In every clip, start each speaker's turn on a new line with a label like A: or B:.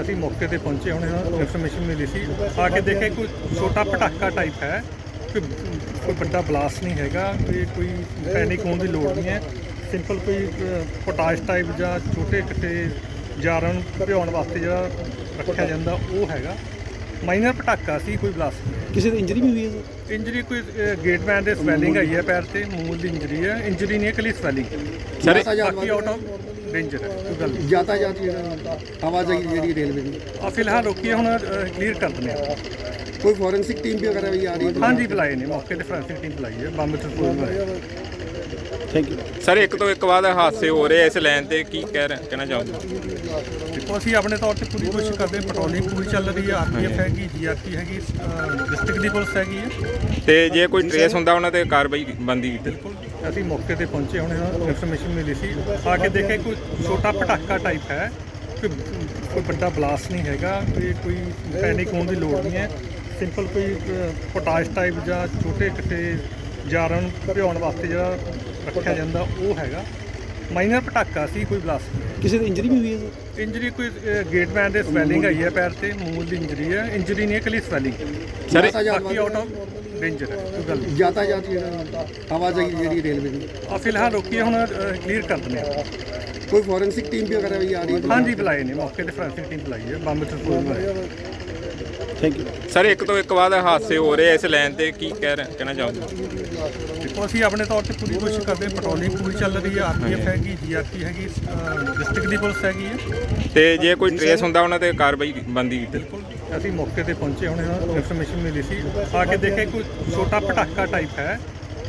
A: ਅਸੀਂ ਮੌਕੇ ਤੇ ਪਹੁੰਚੇ, ਹੁਣ ਇਨਫੋਰਮੇਸ਼ਨ ਮਿਲੀ ਸੀ। ਆ ਕੇ ਦੇਖੇ ਕੋਈ ਛੋਟਾ ਪਟਾਕਾ ਟਾਈਪ ਹੈ, ਕੋਈ ਵੱਡਾ ਬਲਾਸਟ ਨਹੀਂ ਹੈਗਾ, ਕੋਈ ਪੈਨਿਕ ਹੋਣ ਦੀ ਲੋੜ ਨਹੀਂ ਹੈ। ਸਿੰਪਲ ਕੋਈ ਪੋਟਾਸ਼ ਟਾਈਪ ਜਾਂ ਛੋਟੇ ਕਿਤੇ ਜਾਰਾਂ ਨੂੰ ਭਿਉਣ ਵਾਸਤੇ ਜਿਹੜਾ ਰੱਖਿਆ ਜਾਂਦਾ ਉਹ ਹੈਗਾ। ਮਾਈਨਰ ਪਟਾਕਾ ਸੀ, ਕੋਈ ਬਲਾਸਟ ਨਹੀਂ।
B: ਕਿਸੇ ਦੀ ਇੰਜਰੀ ਵੀ ਹੋਈ ਹੈ ਸਰ?
A: ਇੰਜਰੀ ਕੋਈ ਗੇਟਮੈਨ ਦੇ ਸਵੈਲਿੰਗ ਆਈ ਹੈ ਪੈਰ ਤੇ, ਮੂਲ ਦੀ ਇੰਜਰੀ ਹੈ। ਇੰਜਰੀ ਨਹੀਂ ਹੈ, ਇਕੱਲੀ ਸਵੈਲਿੰਗ। ਬਾਕੀ ਆਊਟ ਆਫ ਡੇਂਜਰ ਹੈ, ਕੋਈ ਗੱਲ ਨਹੀਂ।
B: ਯਾਤਾਯਾਤ ਜਿਹੜਾ ਆਵਾਜਾਈ ਜਿਹੜੀ ਰੇਲਵੇ ਦੀ
A: ਫਿਲਹਾਲ ਰੋਕੀ ਹੈ, ਹੁਣ ਕਲੀਅਰ ਕਰ ਦਿੰਦੇ ਹਾਂ।
B: ਕੋਈ ਫੋਰੈਂਸਿਕ ਟੀਮ ਵੀ ਵਗੈਰਾ ਵੀ ਆ ਰਹੀ ਹੈ?
A: ਹਾਂਜੀ ਬੁਲਾਏ ਨੇ, ਮੌਕੇ ਤੇ ਫੋਰੈਂਸਿਕ ਟੀਮ ਬੁਲਾਈ ਹੈ, ਬੰਬ ਟ੍ਰਾਂਸਪੋਰਟ ਬੁਲਾਏ।
B: Thank you
C: sir. ਇੱਕ ਤੋਂ ਇੱਕ ਬਾਅਦ ਹਾਦਸੇ ਹੋ ਰਹੇ ਇਸ ਲਾਈਨ ਤੇ, ਕੀ ਕਹਿਣਾ ਚਾਹੋਗੇ?
A: ਦੇਖੋ ਅਸੀਂ ਆਪਣੇ ਤੌਰ ਤੇ ਪੂਰੀ ਕੋਸ਼ਿਸ਼ ਕਰਦੇ ਹਾਂ, ਪੈਟਰੋਲਿੰਗ ਪੂਰੀ ਚੱਲ ਰਹੀ ਹੈ। ਆਰਪੀਐਫ ਹੈਗੀ, ਜੀਆਰਪੀ ਹੈਗੀ, ਡਿਸਟ੍ਰਿਕਟ ਦੀ ਪੁਲਿਸ ਹੈਗੀ ਹੈ।
C: ਤੇ ਜੇ ਕੋਈ ਟ੍ਰੇਸ ਹੁੰਦਾ ਉਹਨਾਂ ਤੇ ਕਾਰਵਾਈ ਬਣਦੀ ਕੀਤੀ?
A: ਬਿਲਕੁਲ ਅਸੀਂ ਮੌਕੇ ਤੇ ਪਹੁੰਚੇ, ਹੁਣ ਇਨਫੋਰਮੇਸ਼ਨ ਮਿਲੀ ਸੀ। ਆ ਕੇ ਦੇਖੇ ਕੋਈ ਛੋਟਾ ਪਟਾਕਾ ਟਾਈਪ ਹੈ, ਕੋਈ ਵੱਡਾ ਬਲਾਸਟ ਨਹੀਂ ਹੈਗਾ, ਕੋਈ ਪੈਨਿਕ ਹੋਣ ਦੀ ਲੋੜ ਨਹੀਂ ਹੈ। ਸਿੰਪਲ ਕੋਈ ਪੋਟਾਸ਼ ਟਾਈਪ ਜਾਂ ਛੋਟੇ ਕਿਤੇ ਜਾਰਾਂ ਨੂੰ ਭਿਉਣ ਵਾਸਤੇ ਜਿਹੜਾ ਰੱਖਿਆ ਜਾਂਦਾ ਉਹ ਹੈਗਾ। ਮਾਈਨਰ ਪਟਾਕਾ ਸੀ, ਕੋਈ ਬਲਾਸਟ ਨਹੀਂ।
B: ਕਿਸੇ ਦੀ ਇੰਜਰੀ ਵੀ ਹੋਈ ਹੈ ਸਰ?
A: ਇੰਜਰੀ ਕੋਈ ਗੇਟਮੈਨ ਦੇ ਸਵੈਲਿੰਗ ਆਈ ਹੈ ਪੈਰ ਤੇ, ਮੂਲ ਦੀ ਇੰਜਰੀ ਹੈ। ਇੰਜਰੀ ਨਹੀਂ ਹੈ, ਇਕੱਲੀ ਸਵੈਲਿੰਗ। ਬਾਕੀ ਆਊਟ ਆਫ ਡੇਂਜਰ ਹੈ, ਕੋਈ ਗੱਲ ਨਹੀਂ।
B: ਯਾਤਾਯਾਤ ਜਿਹੜਾ ਆਵਾਜਾਈ ਜਿਹੜੀ ਰੇਲਵੇ ਦੀ
A: ਫਿਲਹਾਲ ਰੋਕੀ ਹੈ, ਹੁਣ ਕਲੀਅਰ ਕਰ ਦਿੰਦੇ ਹਾਂ।
B: ਕੋਈ ਫੋਰੈਂਸਿਕ ਟੀਮ ਵੀ ਵਗੈਰਾ ਵੀ ਆ ਰਹੀ ਹੈ?
A: ਹਾਂਜੀ ਬੁਲਾਏ ਨੇ, ਮੌਕੇ ਤੇ ਫੋਰੈਂਸਿਕ ਟੀਮ ਬੁਲਾਈ ਹੈ, ਬੰਬ ਟ੍ਰਾਂਸਪੋਰਟ ਬੁਲਾਏ।
B: Thank you
C: sir. ਇੱਕ ਤੋਂ ਇੱਕ ਬਾਅਦ ਹਾਦਸੇ ਹੋ ਰਹੇ ਇਸ ਲਾਈਨ ਤੇ, ਕੀ ਕਹਿਣਾ ਚਾਹੋਗੇ?
A: ਦੇਖੋ ਅਸੀਂ ਆਪਣੇ ਤੌਰ ਤੇ ਪੂਰੀ ਕੋਸ਼ਿਸ਼ ਕਰਦੇ ਹਾਂ, ਪੈਟਰੋਲਿੰਗ ਪੂਰੀ ਚੱਲ ਰਹੀ ਹੈ। ਆਰਪੀਐਫ ਹੈਗੀ, ਜੀਆਰਪੀ ਹੈਗੀ, ਡਿਸਟ੍ਰਿਕਟ ਦੀ ਪੁਲਿਸ ਹੈਗੀ ਹੈ।
C: ਤੇ ਜੇ ਕੋਈ ਟ੍ਰੇਸ ਹੁੰਦਾ ਉਹਨਾਂ ਤੇ ਕਾਰਵਾਈ ਬਣਦੀ ਕੀਤੀ?
A: ਬਿਲਕੁਲ ਅਸੀਂ ਮੌਕੇ ਤੇ ਪਹੁੰਚੇ, ਹੁਣ ਇਨਫੋਰਮੇਸ਼ਨ ਮਿਲੀ ਸੀ। ਆ ਕੇ ਦੇਖੇ ਕੋਈ ਛੋਟਾ ਪਟਾਕਾ ਟਾਈਪ ਹੈ,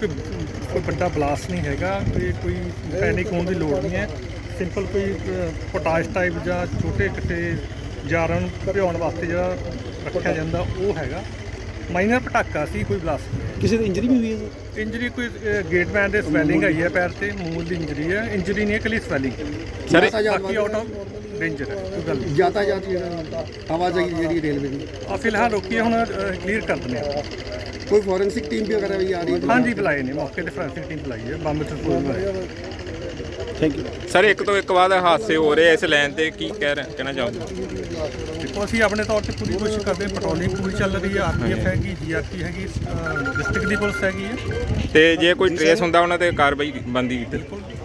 A: ਕੋਈ ਵੱਡਾ ਬਲਾਸਟ ਨਹੀਂ ਹੈਗਾ, ਕੋਈ ਪੈਨਿਕ ਹੋਣ ਦੀ ਲੋੜ ਨਹੀਂ ਹੈ। ਸਿੰਪਲ ਕੋਈ ਪੋਟਾਸ਼ ਟਾਈਪ ਜਾਂ ਛੋਟੇ ਕਿਤੇ ਜਾਰਾਂ ਨੂੰ ਭਿਉਣ ਵਾਸਤੇ ਜਿਹੜਾ ਰੱਖਿਆ ਜਾਂਦਾ ਉਹ ਹੈਗਾ। ਮਾਈਨਰ ਪਟਾਕਾ ਸੀ, ਕੋਈ ਬਲਾਸਟ ਨਹੀਂ।
B: ਕਿਸੇ ਦੀ ਇੰਜਰੀ ਵੀ ਹੋਈ ਹੈ ਸਰ?
A: ਇੰਜਰੀ ਕੋਈ ਗੇਟਮੈਨ ਦੇ ਸਵੈਲਿੰਗ ਆਈ ਹੈ ਪੈਰ ਤੇ, ਮੂਲ ਦੀ ਇੰਜਰੀ ਹੈ। ਇੰਜਰੀ ਨਹੀਂ ਹੈ, ਇਕੱਲੀ ਸਵੈਲਿੰਗ। ਬਾਕੀ ਆਊਟ ਆਫ ਡੇਂਜਰ ਹੈ, ਕੋਈ ਗੱਲ ਨਹੀਂ।
B: ਯਾਤਾਯਾਤ ਜਿਹੜਾ ਆਵਾਜਾਈ ਜਿਹੜੀ ਰੇਲਵੇ ਦੀ
A: ਫਿਲਹਾਲ ਰੋਕੀ ਹੈ, ਹੁਣ ਕਲੀਅਰ ਕਰ ਦਿੰਦੇ ਹਾਂ।
B: ਕੋਈ ਫੋਰੈਂਸਿਕ ਟੀਮ ਵੀ ਵਗੈਰਾ ਵੀ ਆ ਰਹੀ ਹੈ?
A: ਹਾਂਜੀ ਬੁਲਾਏ ਨੇ, ਮੌਕੇ ਤੇ ਫੋਰੈਂਸਿਕ ਟੀਮ ਬੁਲਾਈ ਹੈ, ਬੰਬ ਟ੍ਰਾਂਸਪੋਰਟ ਬੁਲਾਏ।
B: Thank you
C: sir. ਇੱਕ ਤੋਂ ਇੱਕ ਬਾਅਦ ਹਾਦਸੇ ਹੋ ਰਹੇ ਇਸ ਲਾਈਨ ਤੇ, ਕੀ ਕਹਿਣਾ ਚਾਹੋਗੇ?
A: ਦੇਖੋ ਅਸੀਂ ਆਪਣੇ ਤੌਰ ਤੇ ਪੂਰੀ ਕੋਸ਼ਿਸ਼ ਕਰਦੇ ਹਾਂ, ਪੈਟਰੋਲਿੰਗ ਪੂਰੀ ਚੱਲ ਰਹੀ ਹੈ। ਆਰਪੀਐਫ ਹੈਗੀ, ਜੀਆਰਪੀ ਹੈਗੀ, ਡਿਸਟ੍ਰਿਕਟ ਦੀ ਪੁਲਿਸ ਹੈਗੀ ਹੈ।
C: ਤੇ ਜੇ ਕੋਈ ਟ੍ਰੇਸ ਹੁੰਦਾ ਉਹਨਾਂ ਤੇ ਕਾਰਵਾਈ ਬਣਦੀ ਕੀਤੀ?
A: ਬਿਲਕੁਲ